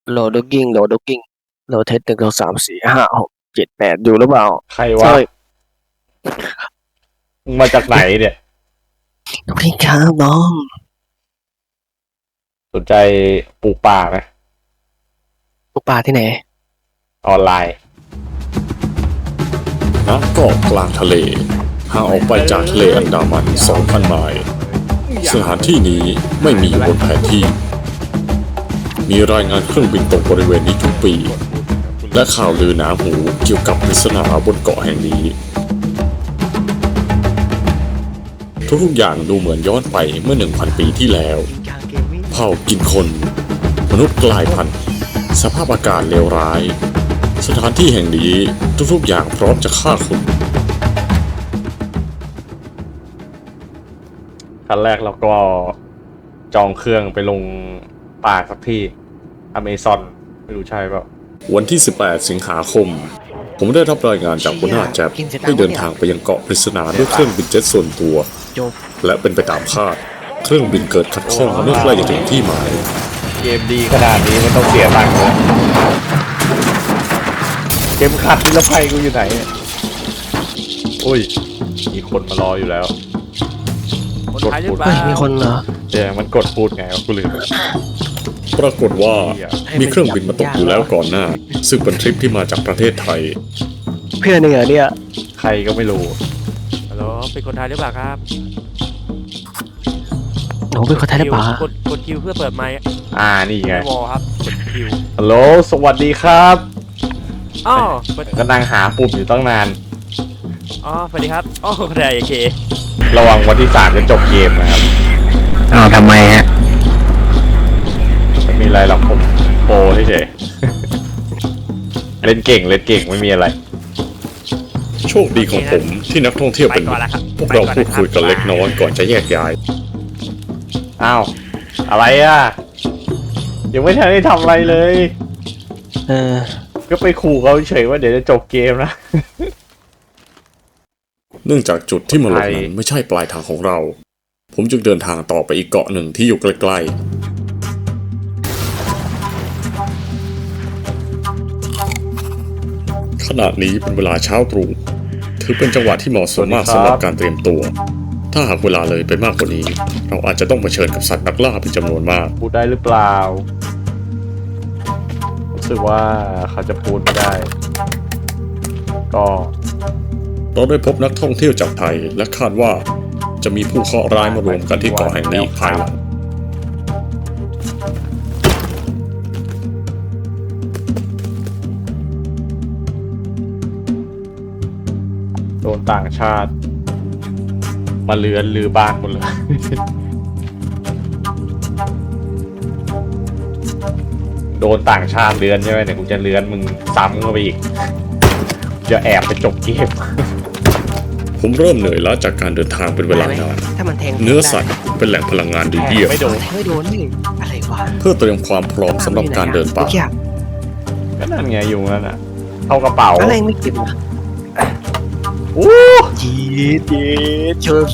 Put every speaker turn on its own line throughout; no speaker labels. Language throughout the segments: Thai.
โหลดด็อกกิ้งโหลดด็อกกิ้งโหลดเทส1 2 3 4 5 6 7 8อยู่หรือเปล่า
ใครวะ
ใช่
มึงมาจากไหนเนี่ย
สวัสดีครับน้อง
สนใจปลูกป่าไหม
ปลูกป่าที่ไหน
ออนไลน์
ณ เกาะกลางทะเลห่างออกไปจากทะเลอันดามัน 2,000 ไมล์สถานที่นี้ไม่มีอยู่บนแผนที่ มีรายงานเครื่องบินตกบริเวณนี้ทุกปี และข่าวลือหนาหูเกี่ยวกับปริศนาบนเกาะแห่งนี้ ทุกอย่างดูเหมือนย้อนไปเมื่อ 1,000 ปีที่แล้ว เผ่ากินคน มนุษย์กลายพันธุ์สภาพอากาศเลวร้าย สถานที่แห่งนี้ทุกๆอย่างพร้อมจะฆ่าคุณ
ขั้นแรกเราก็จองเครื่องไปลงป่าสักที่อเมซอนไม่รู้ใช่เปล่า
วันที่ 18 สิงหาคม ผมได้รับรายงานจากหัวหน้าแจ็บให้เดินทางไปยังเกาะปริศนาด้วยเครื่องบินเจ็ตส่วนตัว
จบ
และเป็นไปตามคาด เครื่องบินเกิดขัดข้องเมื่อใกล้จะถึงที่หมาย
เกมดีขนาดนี้มันต้องเสียตังค์เลยเกมขัดนิรภัยกูอยู่ไหนเนี่ยอุ้ยมีคนมารออยู่แล้วกดพูด
เฮ้ยมีคนเหรอ
แต่มันกดพูดไงวะกูลืมไป
ปรากฏว่ามีเครื่องบินมาตกอยู่แล้วก่อนหน้า ซึ่งเป็นทริปที่มาจากประเทศไทย
เพื่อนเหนือเนี่ย
ใครก็ไม่รู้
ฮัลโหลเป็นคนไทยหรือเปล่าครับ
หนูเป็นคนไทยหรือเปล่าก
ดคิวเพื่อเปิดไมค์
นี่ไง
วอลครับกดคิว
ฮัลโหลสวัสดีครับ
อ๋อเปิด
ก็นั่งหาปุ่มอยู่ตั้งนาน
อ๋อสวัสดีครับอ๋อได้โอเค
ระวังวันที่3จะจบเกมนะครับ
อ้าวทำไมฮะ
ไม่มีอะไรหรอกผมโปรเฉยๆ เล่นเก่งไม่มีอะไร
โชคดีของผมที่นักท่องเที่ยว
ไป
เป็น
ก่อนละครับ
พวกเราพูดคุยกันเล็กน้อยก่อนจะแยกย้าย
อ้าว อะไรอ่ะ ยังไม่ทันได้ทำอะไรเลย
เออ
ก็ไปขู่เขาเฉยว่าเดี๋ยวจะจบเกมนะ
เนื่องจากจุดที่มาลง
ไท
นั้
ย
นไม่ใช่ปลายทางของเรา ผมจึงเดินทางต่อไปอีกเกาะหนึ่งที่อยู่ใกล้ๆขณะนี้เป็นเวลาเช้าตรู่ถือเป็นจังหวะที่เหมาะสมมากสำหรับการเตรียมตัว ถ้าหากเวลาเลยไปมากกว่านี้ เราอาจจะต้องเผชิญกับสัตว์นักล่าเป็นจำนวนมาก
พูดได้หรือเปล่า รู้สึกว่าเขาจะพูดไม่ได้ ก็
เราได้พบนักท่องเที่ยวจากไทยและคาดว่าจะมีผู้เคราะห์ร้ายมารวมกันที่เกาะแห่งนี้อีกภายหลัง
โดนต่างชาติ มาเลือนลือบ้านหมดเลย โดนต่างชาติเลือนใช่ไหมเนี่ยกูจะเลือนมึงซ้ำเข้าไปอีก จะแอบไปจบเกม
ผมเริ่มเหนื่อยล้าจากการเดินทางเป็นเวลานาน
ถ้ามันแทง
เนื้อสัตว์เป็นแหล่งพลังงานดีเยี่ยม
ไม่โดน
แทงไม่โดนนี่อะไรวะ
เพื่อเตรียมความพร้อมสำหรับการเดินป่า
ก็นั่นไงอยู่นั่นน่ะเข้ากระเป๋า
อะไรไม่เก็บนะ
โอ้
จีดเชิญ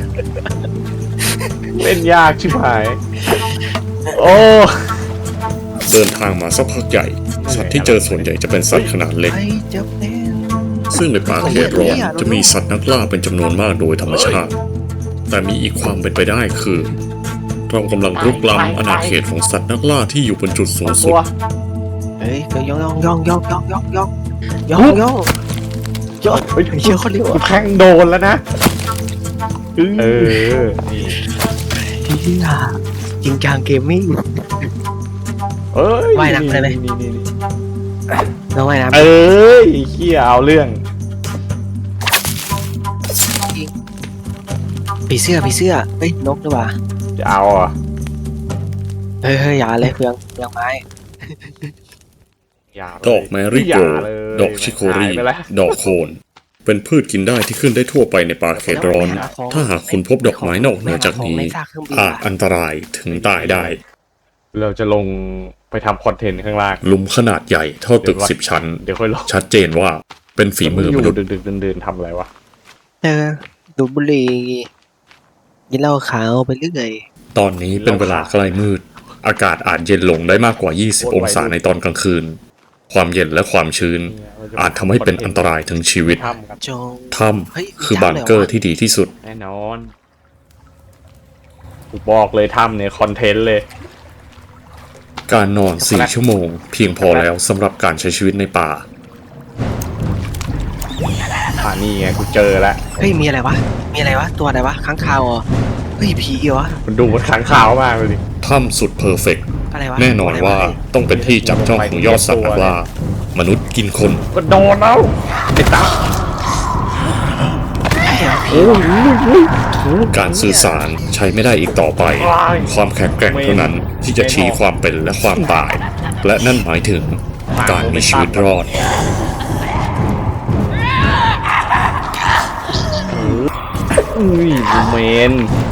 เล่นยากชิบหาย โอ้
เดินทางมาสักพักใหญ่ สัตว์ที่เจอส่วนใหญ่จะเป็นสัตว์ขนาดเล็ก
ไอ้เจ็บแน่
ซึ่งในป่าเขตร้อนจะมีสัตว์นักล่าเป็นจำนวนมากโดยธรรมชาติ แต่มีอีกความเป็นไปได้คือ เรากำลังรุกล้ำอาณาเขตของสัตว์นักล่าที่อยู่บนจุดสูงสุ
ตั
ด
ว
เฮ้ยเดี๋ยวย่องย่องเฮ้ยเชี่ยคนเร็ว
กู
อ่ะ
แทงโดนแล้วนะ เออ นี่
ที่จริงจังเกมมิ่ง
เอ้ย
ว่ายน้ำได้ไหม
นี่
น้องว่ายน้ำ
เอ้ยเขี้ยเอาเรื่อง
ผีเสื้อเฮ้ยนกด้วยว่ะ
จะเอาอ่ะ
เฮ้ยอย่าเลยเฟืองไม้
อย่าเลย
ดอกแมรี่โก
อย่าเลย
ดอกชิโครี
หายไปแล้ว
ดอกโคน เป็นพืชกินได้ที่ขึ้นได้ทั่วไปในป่าเขตร้อน ถ้าหากคุณพบดอกไม้นอกเหนือจากนี้ อาจอันตรายถึงตายได้
เราจะลงไปทำคอนเทนต์ข้างล่าง
หลุมขนาดใหญ่เท่าตึก10 ชั้น
เดี๋ยวค่อยลง
ชัดเจนว่าเป็นฝีมือ
อยู่
มนุษย์
ดึกๆเดินๆทำอะไรวะ
ดูดบุหรี่กินเหล้าขาวไปเรื่อย
ตอนนี้เป็นเวลาใกล้มืดอากาศอาจเย็นลงได้มากกว่า 20 องศาในตอนกลางคืน ความเย็นและความชื้น อาจทำให้เป็นอันตรายถึงชีวิต
ทำครับ
จง
ถ้
เฮ้ย
ำคือบังเกอร์ที่ดีที่สุด
แน่นอนกูบอกเลยทำเนี่ยคอนเทนต์เลย
การนอน 4 ชั่วโมง เพียงพอแล้วสำหรับการใช้ชีวิตในป่า
นี่ไงกูเจอแล้ว
เฮ้ยมีอะไรวะมีอะไรวะตัวอะไรวะค้างคาวเหรอเฮ้ยผีเหรอ
มันดูมันค้างคาวมากเลยดิ
ถ้ำสุดเพอร์เฟกต์
อะไรวะ
แน่นอนว่าต้องเป็นที่จับจ้องของยอดสัตว์นักล่ามนุษย์กินคน
ก็โดนแล้วไอ้ตา
ใช่เหรอผี
การสื่อสารใช้ไม่ได้อีกต่อไป ความแข็งแกร่งเท่านั้นที่จะชี้ความเป็นและความตาย และนั่นหมายถึงการมีชีวิตรอด
อุ้ยกูเมน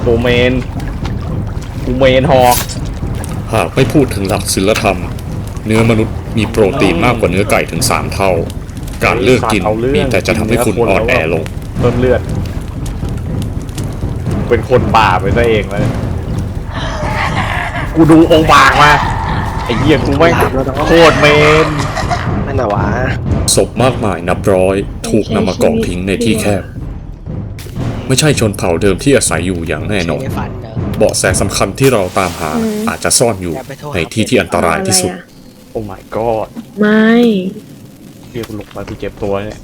ฮอก
หากไม่พูดถึงหลักศีลธรรม เนื้อมนุษย์มีโปรตีนมากกว่าเนื้อไก่ถึง 3 เท่า การเลือกกินมีแต่จะทำให้คุณอ่อนแอลง
เพิ่มเลือด เป็นคนป่าไปซะเองแล้วกูดูองค์บากมาไอ้เหี้ยกูไม่โคตรเมน
นั่นน่ะวะ
ศพมากมายนับร้อยถูกนำมากองทิ้งในที่แคบ ไม่ใช่ชนเผ่าเดิมที่อาศัยอยู่อย่างแน่นอน
ในฝันเด้อ
เบาะแสสำคัญที่เราตามหาอาจจะซ่อนอยู่ในที่ที่อันตรายที่สุด
โอ้ my god
ไม่
เรียกกูลงมากูเจ็บตัวเนี่ย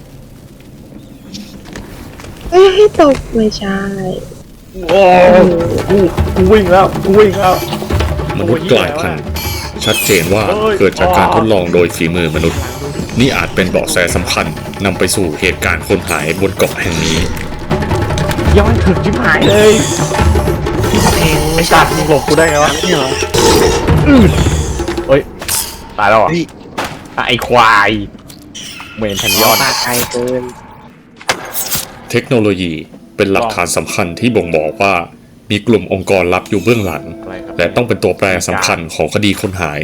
เอ้ยให้ตกไม่ใช่
โอ้กูวิ่งแล้ว
มนุษย์กลายพันธุ์ชัดเจนว่าเกิดจากการทดลองโดยฝีมือมนุษย์ นี่อาจเป็นเบาะแสสำคัญนำไปสู่เหตุการณ์คนหายบนเกาะแห่งนี้
ย้อนถึงชิบหายเลย
เพลงไม่
ตั
ใช่
ดมึงหลบกูได้ไงวะ
นี่เหรอ
เฮ้ยตายแล้วเหรอ
เฮ้ย
ไอ้ควายเมนทันยอด
ปากไกลเกิน
เทคโนโลยีเป็นหลักฐานสำคัญที่บ่งบอกว่ามีกลุ่มองค์กรลับอยู่เบื้องหลัง และต้องเป็นตัวแปรสำคัญของคดีคนหาย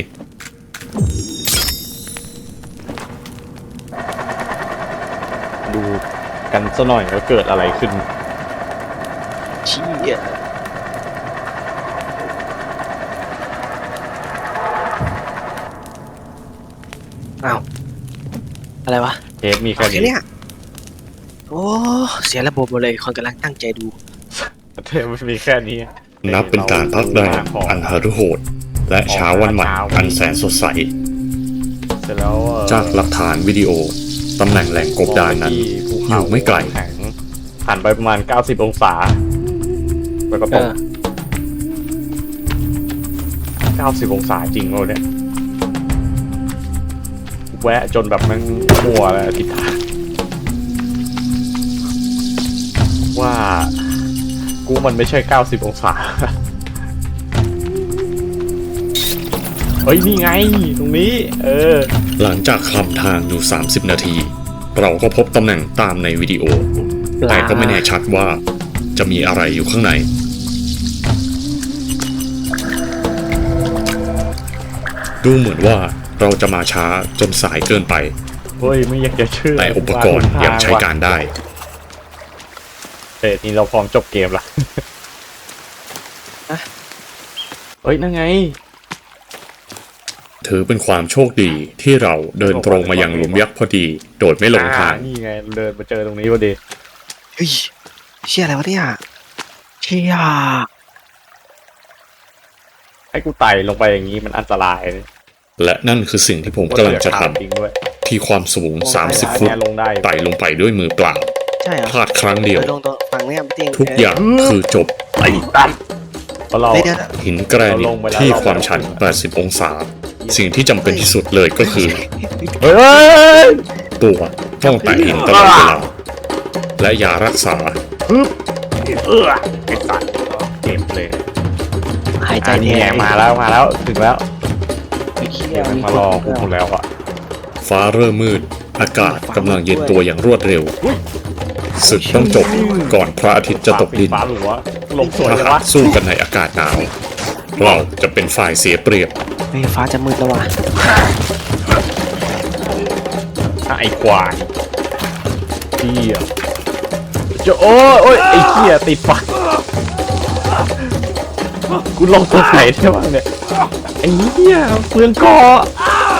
ดูกันซะหน่อยว่าเกิดอะไรขึ้น
เชี่ยอ้าวอะไรวะ
เคสมีแค่
โอเค
นี้
เนี่ยโอ้เสียระบบหมดเลยคนกำลังตั้งใจดู
เทปมันมีแค่นี้
นับเป็นการพักแรมอันหฤโหดและเช้าวันใหม่อันแสนสดใส
เสร็จแล้ว
จากหลักฐานวิดีโอตำแหน่งแหล่งกบดานนั้นอยู่ไม่ไกล
แข็งหันไปประมาณ90องศาแล้วก็ตก90องศาจริงเลยเนี่ยแวะจนแบบมันมัวแล้วทิศทางว่ากูมันไม่ใช่90องศาเฮ้ยนี่ไงตรงนี้
หลังจากคลำทางอยู่ 30 นาที เราก็พบตำแหน่งตามในวิดีโอ แต่ก็ไม่แน่ชัดว่าจะมีอะไรอยู่ข้างใน ดูเหมือนว่าเราจะมาช้าจนสายเกินไป
เฮ้ยไม่อยากจะเชื่อ
แต่อุปกรณ์ยังใช้การได้
นี่เราพร้อมจบเกมละเฮ้ยนั่นไง
ถือเป็นความโชคดีที่เราเดินตรงมายังหลุมยักษ์พอดี โดยไม่หลงทาง
นี่ไงเดินมาเจอตรงนี้พอดี
เฮ้ยเชี่ยอะไรวะเนี่ยเชี่ย
ให้กูไต่ลงไปอย่างนี้มันอันตรายเลย
และนั่นคือสิ่งที่ผมกำลังจะท
จริงด้วย
ำที่ความสูง 30 ฟุต
ลงได้
ไต่ลงไปด้วยมือเปล่า
ใช่เหรอ
พลาดครั้งเดียว
ลงตรงฝั่งเนี้ยเตียง
ทุกอย่างคือจบ
ไอ้ตันเพราะเรา
เดี๋ยว
หินแกรนิตที่ความชัน 80 องศา สิ่งที่จำเป็นที่สุดเลยก็คือ
เฮ้ย
ตัวต้องแตะหินตลอดเวลาและยารักษา
ไอ้สัตว์เจ็บเลย
หายใจ
นี่
แท
ไง
น
มาแล้วถึงแล้ว
เชี่ย
เดี๋ยวมันมารอกูหมดแล้วอ่ะ
ฟ้าเริ่มมืด อากาศกำลังเย็นตัวอย่างรวดเร็ว ศึกต้องจบก่อนพระอาทิตย์จะตกดิน
ฟ้าหรือวะลงสวย
ถ้า
เลยวะ
หากสู้กันในอากาศหนาว เราจะเป็นฝ่ายเสียเปรียบ
เฮ้ยฟ้าจะมืดแล้วว่ะ
ไอ้ควายเหี้ยจะโอ้ยไอ้เหี้ยติดไฟกูลงตัวไหนได้บ้างเนี่ยไอ้เหี้ยเปลืองเกาะ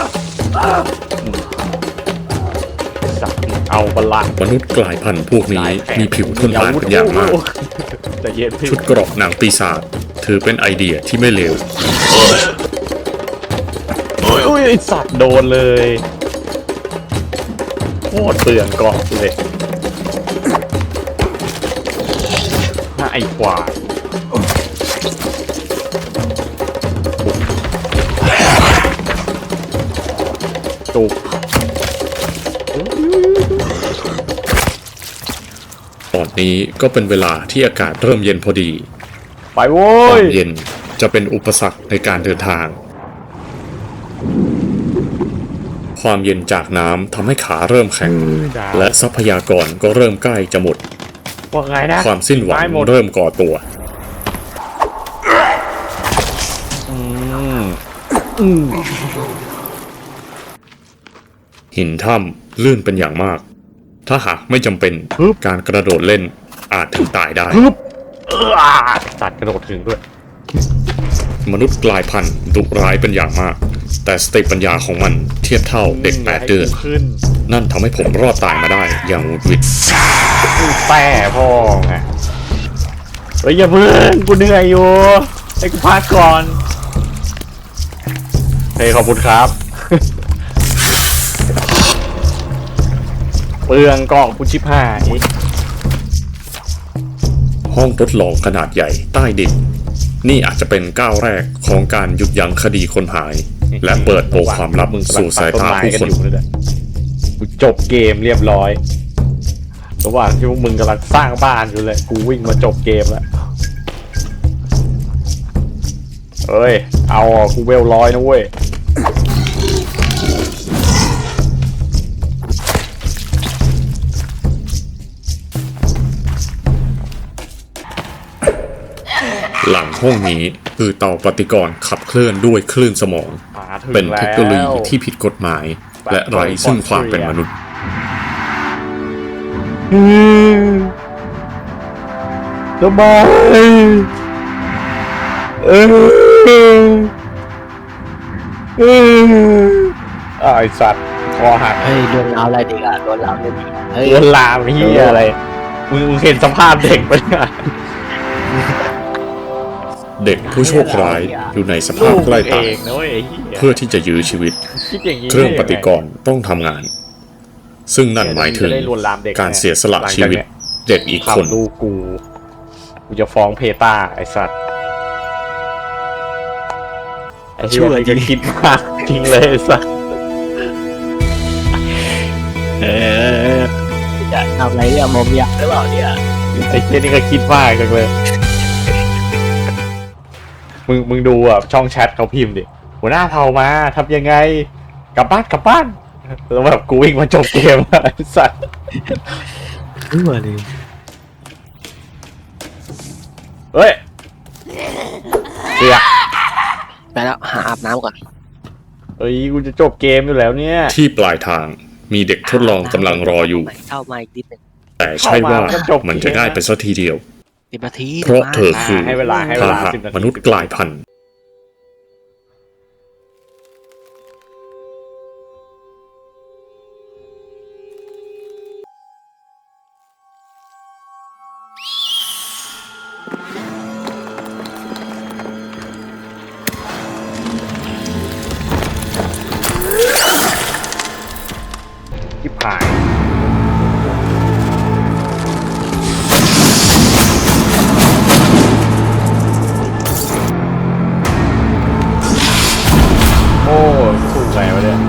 สัตว์เอาบละ
มนุษย์กลายพันธุ์พวกนี้มีผิวทนทานเป็นอย่างมาก
จะเย็นพี่
ชุดเกราะหนังปีศาจถือเป็นไอเดียที่ไม่เลว
อุ้ยไอ้สัตว์โดนเลยโคตรเปลืองเกาะเลยน่าไอ้ควายจุก
ตอนนี้ก็เป็นเวลาที่อากาศเริ่มเย็นพอดี
ไปโว้
ควาย มเย็นจะเป็นอุปสรรคในการเดินทาง ความเย็นจากน้ำทำให้ขาเริ่มแข็ง และทรัพยากรก็เริ่มใกล้จะหมด
ว่าไงนะ
ความสิ้นหวัง
ไม่หมด
เริ่มก่อตัว หินถ้ำลื่นเป็นอย่างมาก ถ้าหากไม่จำเป็นการกระโดดเล่นอาจถึงตายได้
สัตว์กระโดดถึงด้วย
มนุษย์กลายพันธุ์ดุร้ายเป็นอย่างมาก แต่สติปัญญาของมันเทียบเท่าเด็ก8 เดือน
ขึ้น
นั่นทำให้ผมรอดตายมาได้อย่างหวุดหวิด
แต่พ่อไงเฮ้ยอย่าเพิ่งกูเหนื่อยอยู่ให้กูพักก่อนเฮ้ยขอบคุณครับ เปลืองกล่องกูชิบหาย
ห้องทดลองขนาดใหญ่ใต้ดิน นี่อาจจะเป็นก้าวแรกของการหยุดยั้งคดีคนหาย และเปิดโปงความลับสู่สายตาผู้คน
กูจบเกมเรียบร้อยระหว่างที่พวกมึงกำลังสร้างบ้านอยู่เลยกูวิ่งมาจบเกมแล้วเฮ้ยเอาอ่ะกูเวล100นะเว้ย
หลังห้องนี้คือเตาปฏิกรณ์ขับเคลื่อนด้วยคลื่นสมอง
มาถึง
เป็นเทคโนโลยี
แล้ว
ที่ผิดกฎหมาย และไร้ซึ่งความเป็นมนุษย์
ทำไมไอสัตว์คอหัก
เฮ้ยโดนเราอะไรดีอ่ะโดนเราเลยดีเฮ้ย
เลือนลามเฮียอะไรมึงเห็นสภาพเด็กปะเนี่ย
เด็กผู้โชคร้ายอยู่ในสภาพใกล้ตาย
เองนะเว้ยไอ้เหี้ย
เพื่อที่จะยื้อชีวิต
คิดอย่างนี้
เครื่องปฏิกรณ์ต้องทำงาน ซึ่งนั่นหมายถึง
จะได้ลวนลามเด็ก
การเสียสละชีวิตเด็กอีก
ขับ
คน
ลูกกูจะฟ้องเพตาไอสัตว์ไอ้เหี้ยนี่ก็คิดมากจริงเลยไอ้สัตว์
จะทำอะไรเนี่ยมอมยาหรือเปล่าเนี่ย
ไอ้เหี้ยนี่ก็คิดมากจังเลย มึงดูอ่ะช่องแชทเขาพิมพ์ดิหัวหน้าเผ่ามาทำยังไงกลับบ้านแล้วแบบกูวิ่งมาจบเกมอะไอ้สัตว์
รู้มาเลย
เฮ้ยเสีย
ไปแล้วหาอาบน้ำก่อน
เฮ้ยกูจะจบเกมอยู่แล้วเนี่ย
ที่ปลายทางมีเด็กทดลองกำลังรออยู่
เข้ามาอีกนิดหนึ่ง
แต่ใช่ว่ามันจะง่ายไปสักทีเดียว
10 นาที
เพราะเธอคือ
ให้เวลา
พาหะ
10 นาที
มนุษย์กลายพันธุ์
ที่ผ่านโอ้สู้ไงวะเนี่ย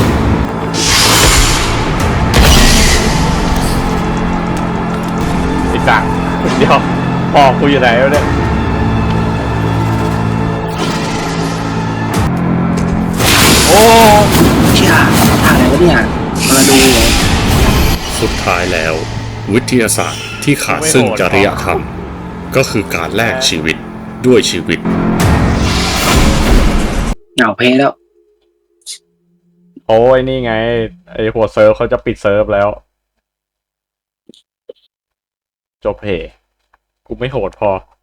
ไอ้สัตว์เดี๋ยวพ่อกูอยู่ไหนวะเนี่ยโอ้
เชี่ยทางไหนวะเนี่ยมาดูเลย
สุดท้ายแล้ว วิทยาศาสตร์ที่ขาดซึ่งจริยธรรม ก็คือการแลกชีวิตด้วยชีวิต
เหงาเพลแล้ว
โอ้ยนี่ไงไอ้หัวเซิร์ฟเขาจะปิดเซิร์ฟแล้ว จบเพกูไม่โหดพอ